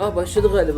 Başladı galiba.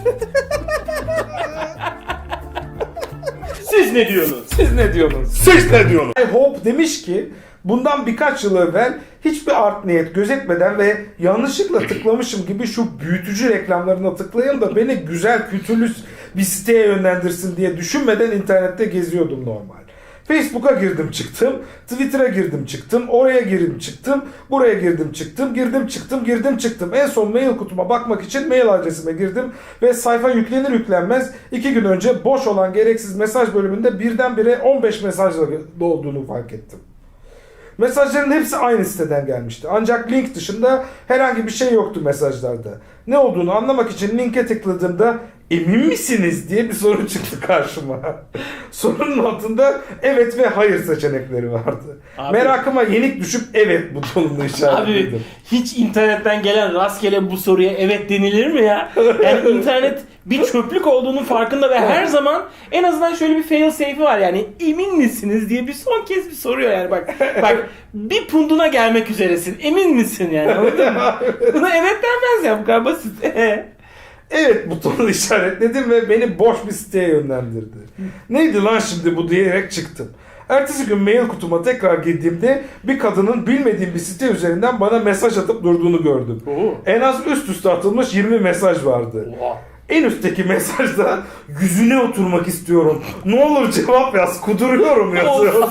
Siz ne diyorsunuz? Siz ne diyorsunuz? Siz ne diyorsunuz? Hope demiş ki bundan birkaç yıl evvel hiçbir art niyet gözetmeden ve yanlışlıkla tıklamışım gibi şu büyütücü reklamlarına tıklayayım da beni güzel kültürlü bir siteye yönlendirsin diye düşünmeden internette geziyordum normal. Facebook'a girdim çıktım, Twitter'a girdim çıktım, oraya girdim çıktım, buraya girdim çıktım, girdim çıktım. En son mail kutuma bakmak için mail adresime girdim ve sayfa yüklenir yüklenmez 2 gün önce boş olan gereksiz mesaj bölümünde birdenbire 15 mesajla dolduğunu fark ettim. Mesajların hepsi aynı siteden gelmişti. Ancak link dışında herhangi bir şey yoktu mesajlarda. Ne olduğunu anlamak için linke tıkladığımda emin misiniz diye bir soru çıktı karşıma. Sorunun altında evet ve hayır seçenekleri vardı. Abi, Merakıma yenik düşüp evet butonunu işaretledim. Abi hiç internetten gelen rastgele bu soruya evet denilir mi ya? Yani internet bir çöplük olduğunun farkında ve her zaman en azından şöyle bir fail safe'i var yani emin misiniz diye bir son kez bir soruyor yani bak bir punduna gelmek üzeresin emin misin yani anladın mı? Buna evet denmez ya bu kadar basit. Evet butonunu işaretledim ve beni boş bir siteye yönlendirdi. Neydi lan şimdi bu diyerek çıktım. Ertesi gün mail kutuma tekrar girdiğimde bir kadının bilmediğim bir site üzerinden bana mesaj atıp durduğunu gördüm. En az üst üste atılmış 20 mesaj vardı. En üstteki mesajda yüzüne oturmak istiyorum. Ne olur cevap yaz. Kuduruyorum yazıyordu.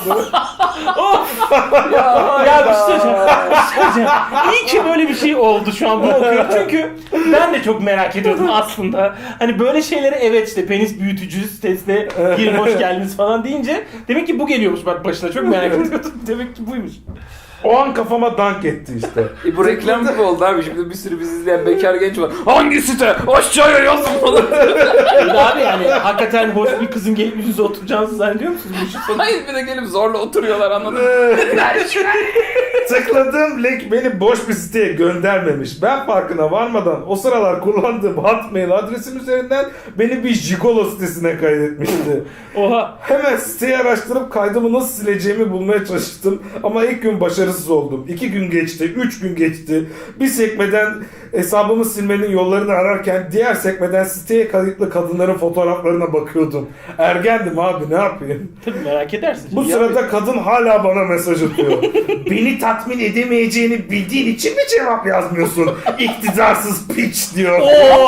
Ya bir şey söyleyeceğim. İyi ki böyle bir şey oldu şu an bunu okuyorum. Çünkü ben de çok merak ediyordum aslında. Hani böyle şeylere evet işte penis büyütücü sitesine girin hoş geldiniz falan deyince demek ki bu geliyormuş bak başına çok merak ediyordum. Demek ki buymuş. O an kafama dank etti işte. Bu reklam gibi oldu abi. Şimdi bir sürü bizi izleyen bekar genç var. Hangi site? Aşağıya yazın falan. Abi yani hakikaten hoş bir kızın gelip yüzünüze oturacağınızı zannediyor musunuz? Bu işin sonu? Hayır bir de gelip zorla oturuyorlar anladın mı? Tıkladığım link beni boş bir siteye göndermemiş. Ben farkına varmadan o sıralar kullandığım Hotmail adresim üzerinden beni bir Jigolo sitesine kaydetmişti. Oha. Hemen siteyi araştırıp kaydımı nasıl sileceğimi bulmaya çalıştım. Ama ilk gün başarısız oldum. 2 gün geçti, 3 gün geçti. Bir sekmeden hesabımı silmenin yollarını ararken diğer sekmeden siteye kayıtlı kadınların fotoğraflarına bakıyordum. Ergendim abi ne yapayım? Tabii merak edersin. Bu sırada kadın hala bana mesaj atıyor. Beni tatmin edemeyeceğini bildiğin için mi cevap yazmıyorsun? İktidarsız piç diyor.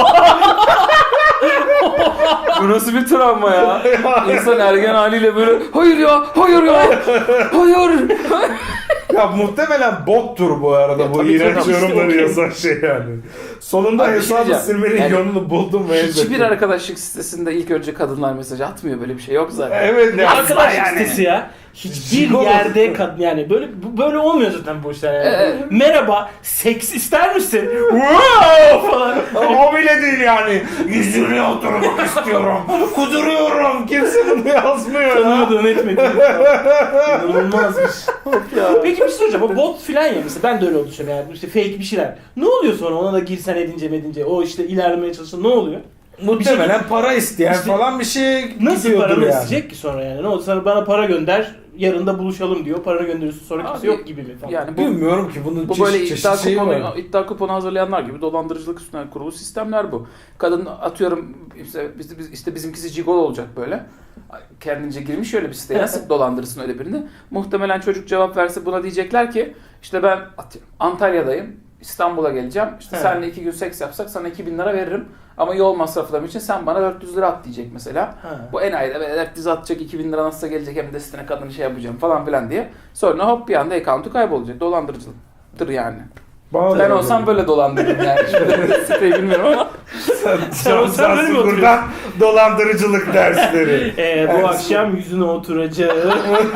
Bu nasıl bir travma ya? İnsan ergen haliyle böyle hayır ya, hayır ya, hayır. Ya muhtemelen bottur bu arada bu tabii iğrenç canım, yorumları işte yazan şey yani. Sonunda Abi, hesabı diyeceğim. silmenin Yani yolunu buldum ve Hiçbir arkadaşlık sitesinde ilk önce kadınlar mesaj atmıyor, böyle bir şey yok zaten. Evet ne Arkadaş yani. sitesi ya. Hiçbir Jigolo. yerde yani böyle olmuyor zaten bu işler yani. Merhaba, seks ister misin? Wow falan. O bile değil yani. Yüzüne oturmak istiyorum. Kuduruyorum. Kimse bunu yazmıyor ya. Tanıyordun etmedin. İnanılmazmış. Peki bir şey soracağım. O bot filan ya mesela ben de öyle oldu yani. İşte fake bir şeyler. Ne oluyor sonra ona da girsen edince o işte ilerlemeye çalışsan ne oluyor? Muhtemelen para isteyen İşte falan bir şey Nasıl gidiyordur paranı yani. isteyecek ki sonra yani? Ne oldu sana bana para gönder, yarın da buluşalım diyor. Paranı gönderiyorsun sonra kimse Abi, yok gibi mi falan. Yani Bilmiyorum ki bunun bu böyle çeşit şeyi var. iddia kuponu hazırlayanlar gibi dolandırıcılık üstüne kurulu sistemler bu. Kadın atıyorum işte bizimkisi Gigolo olacak böyle. Kendince girmiş öyle bir siteye nasıl dolandırırsın öyle birini. Muhtemelen çocuk cevap verse buna diyecekler ki işte ben atıyorum Antalya'dayım. İstanbul'a geleceğim. İşte seninle 2 gün seks yapsak sana 2000 lira veririm. Ama yol masraflarım için sen bana 400 lira at diyecek mesela. Bu enayide böyle 400 atacak 2000 lira nasıl gelecek hem de sitene kadın şey yapacağım falan filan diye. Sonra hop bir anda account'u kaybolacak. Dolandırıcılıktır yani. Bana Ben da olsam öyle. böyle dolandırırım yani. Şimdi siteyi bilmiyorum ama. Sen olsan böyle mi buradan dolandırıcılık dersleri. Bu akşam yüzüne oturacağım.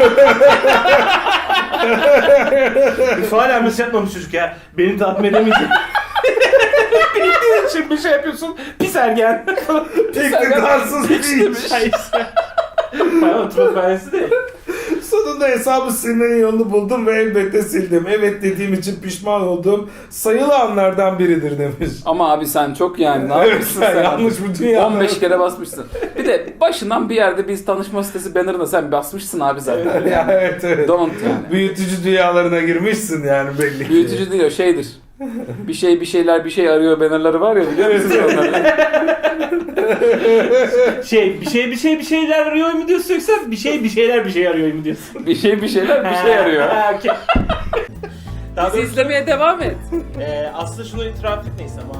Hala mesaj yapmamış çocuk ya. Beni tatmin edemeyecek. Bildiğin için bir şey yapıyorsun. Pis ergen. İktidarsız piç. Bayağı oturma de. Sonunda hesabı silmenin yolunu buldum ve elbette sildim. Evet dediğim için pişman olduğum sayılı anlardan biridir demiş. Ama abi sen çok yani ne Evet, yapmışsın sen sen? yanlış bu dünya. 15 kere basmışsın. Bir de başından bir yerde biz tanışma sitesi banner'ına sen basmışsın abi zaten. Ya evet. Don't yani. Büyütücü dünyalarına girmişsin yani belli ki. Büyütücü değil o şeydir. Bir şeyler bir şey arıyor bannerları var ya, biliyor musunuz onları? Bir şeyler arıyor mu diyorsun, yoksa bir şeyler bir şey arıyor mu diyorsun? Bir şeyler bir şey arıyor. Ha, okey. Daha Bizi doğrusu, izlemeye devam et. aslında şunu itiraf etmeyiz ama